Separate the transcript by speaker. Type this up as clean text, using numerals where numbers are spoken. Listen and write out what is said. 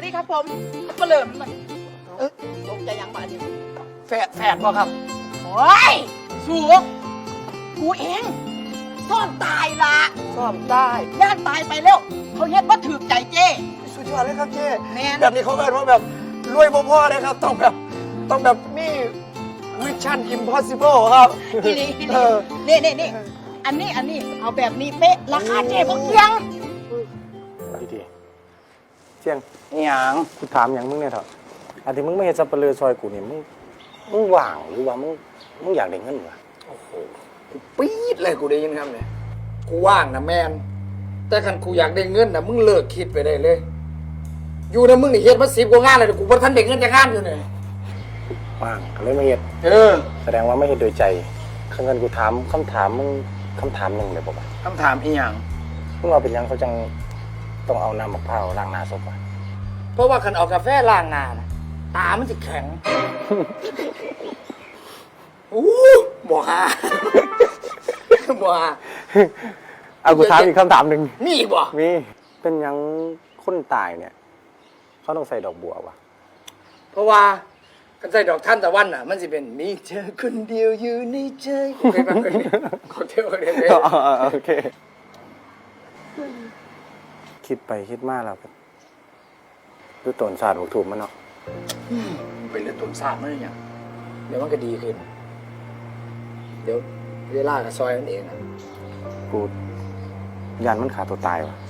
Speaker 1: ดีครับผมก็เริ่มมันตกใจยังบ้านนี่
Speaker 2: แฝดบ่ครับ
Speaker 1: โอ้ยสูงกูเองซ่อนตายละ
Speaker 2: ซ่อมได้
Speaker 1: ย่านตายไปแล้วเขาเฮ็ดว่าถือใจเจ้
Speaker 2: สุดยอดเลยครับเจ๊
Speaker 1: แม่น
Speaker 2: แบบนี้เขาเรียกว่าแบบรวยบ่พอเลยครับต้องแบบมีมิชชั่นอิมพอสิเบิลครับ
Speaker 1: อีนี่
Speaker 2: เออ
Speaker 1: นี่อันนี้เอาแบบนี้เป๊ะราคาเจ้พวกเพียง
Speaker 3: ดีๆเจียงนี่หยังกูถามอย่างมึงเนี่ยเถอะอันที่มึงไม่เห็นสับเปลือซอยกูนี่มึงว่างหรือว่ามึงอยากได้เงินวะ
Speaker 2: โอ้โหกูปี๊ดเลยกูได้ยินคำเนี่ยกูว่างนะแมนแต่คันกูอยากได้เงินนะมึงเลิกคิดไปได้เลย อยู่นะมึงนี่เฮ็ดมา10 กว่างานเลยกูบ่ทันได้เงินจากงานอยู่เนี่ย
Speaker 3: ว่างก็เลยไม่เห็นแสดงว่าไม่เห็นโดยใจคือเงินกูถามคำถามมึงคำถามหนึ่งเลยบอกว่า
Speaker 2: คำถามอีหยัง
Speaker 3: มึงเอาเป็นหยังเขาจังต้องเอาน้ำมะพร้าวล้างหน้าศพวะ
Speaker 2: เพราะว่าคันเอากาแฟล้างหน้านะตามันจะแข็งอู้บ่ฮาบ่ฮา
Speaker 3: เอากูถามอีกคำถามหนึ่ง
Speaker 2: มีอีกบ่
Speaker 3: มีเป็นหยังคนตายเนี่ยเขาต้องใส่ดอกบัววะ
Speaker 2: เพราะว่ากันใส่ดอกท่านตะวันน่ะมันสิเป็นมีเธอคนเดียวอยู่ในใจโอเคป่ะขอเที่ยวกันเลย
Speaker 3: โอเคคิดไปคิดมาแล้วดูต้นศาสตร์ถูกถูกมันเนาะ
Speaker 2: เป็นเรื่องตุนซาดมันอย่างเดี๋ยวมันก็ดีขึ้น เดี๋ยวเวลากับซอยนั่นเองอะ
Speaker 3: กูยันมันขาตัวตายวะ